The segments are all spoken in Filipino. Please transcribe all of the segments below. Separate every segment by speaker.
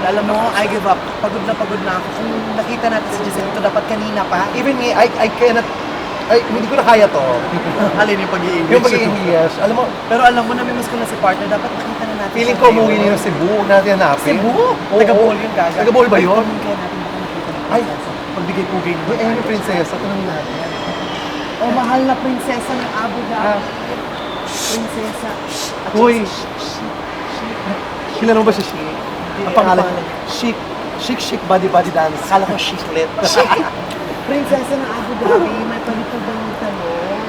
Speaker 1: Alam mo, I give up. Pagod na ako. Kung nakita natin si Giselle ito, dapat kanina pa.
Speaker 2: Even me, I cannot, hindi ko na kaya to.
Speaker 1: Alin yung pag-i-English?
Speaker 2: Yung pag-i-English. Alam mo,
Speaker 1: Pero alam mo, namimiss ko na si partner. Dapat nakita na natin.
Speaker 2: feeling
Speaker 1: siya
Speaker 2: ko
Speaker 1: ngayon.
Speaker 2: umuwi niya ng Cebu. Huwag natin hanapin.
Speaker 1: Cebu?
Speaker 2: Oo.
Speaker 1: Taga-Bohol yun, gaga.
Speaker 2: Taga-Bohol ba yun?
Speaker 1: Kaya natin baka nakita na.
Speaker 2: Ay.
Speaker 1: Pagbigay-pugay naman.
Speaker 2: Uy, ayun yung prinsesa. Tanongin natin.
Speaker 1: Oh, mahal na prinsesa ng Abu Dhabi. Prinsesa. At
Speaker 2: Uy.
Speaker 1: saka
Speaker 2: Kilala mo ba si Chic? Ang pangalan
Speaker 1: Ano
Speaker 2: Chic. Chic body dance.
Speaker 1: Akala ko chiclet. Prinsesa ng Abu Dhabi, may palipad ba ng tanong?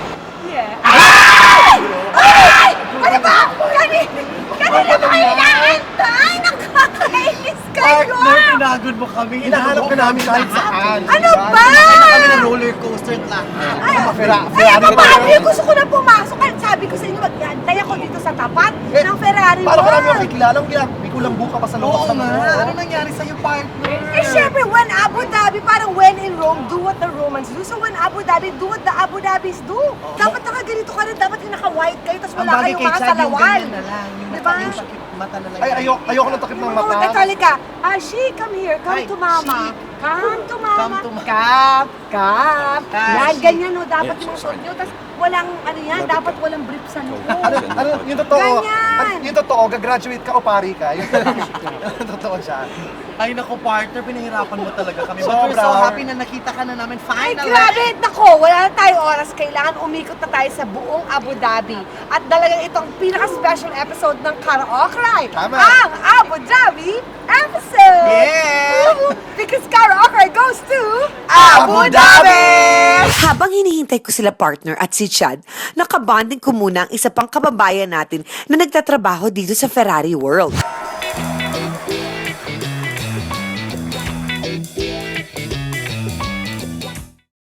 Speaker 3: Ano ba? Kanina ba kayo inaantay? Nakakainis kayo!
Speaker 1: Partner, pinagod mo kami.
Speaker 2: Hinahanap ka namin kahit saan.
Speaker 3: Ano ba?
Speaker 1: Kami na roller coaster at lahat.
Speaker 3: Ay, ano ba? Gusto ko na pumasok. Sabi ko sa inyo, mag-antay ako dito sa tapat ng Ferrari
Speaker 2: Paano ka namin
Speaker 3: World.
Speaker 2: makikilala? May kulang buka pa sa loob.
Speaker 1: Oo nga. Ano nangyari sa'yo, partner?
Speaker 3: Eh, syempre, when Abu Dhabi, parang when in Rome, do what the Romans do. So when Abu Dhabi, do what the Abu Dhabis do. Dapat nakaganito ka rin, dapat yung naka-white kayo, tapos wala kayong mga
Speaker 1: Chad, yung
Speaker 3: salawan.
Speaker 1: ganyan na lang. Yung
Speaker 3: Diba?
Speaker 1: yung sakit mata na lang.
Speaker 2: Ay, ayoko ng takip ng
Speaker 3: Oo,
Speaker 2: mata.
Speaker 3: Talika. She, come here. Come
Speaker 1: Hi,
Speaker 3: to mama.
Speaker 1: she.
Speaker 3: Come to mama.
Speaker 1: Come to mama.
Speaker 3: Come.
Speaker 1: Ah,
Speaker 3: Yan,
Speaker 1: she.
Speaker 3: ganyan no. Dapat yung suot nyo. Tapos walang, ano yan, dapat walang brief sa noo.
Speaker 2: Yung totoo,
Speaker 3: Ganyan.
Speaker 2: yung totoo, gagraduate ka o pari ka. Yung totoo siya.
Speaker 1: Ay, naku, partner, pinahirapan mo talaga kami. But
Speaker 2: Sobra.
Speaker 1: we're so happy na nakita ka na namin.
Speaker 3: Ay,
Speaker 1: Finally!
Speaker 3: grabe! Nako, wala na tayong oras. Kailangan umikot na tayo sa buong Abu Dhabi. At talagang itong pinaka-special episode ng Karaoke
Speaker 2: Tama.
Speaker 3: ang Abu Dhabi episode!
Speaker 1: Yeah!
Speaker 3: Woo! Because Karaoke goes to
Speaker 1: Abu Dhabi!
Speaker 4: Habang hinihintay ko sila partner at si Chad, nakabanding ko muna ang isa pang kababayan natin na nagtatrabaho dito sa Ferrari World.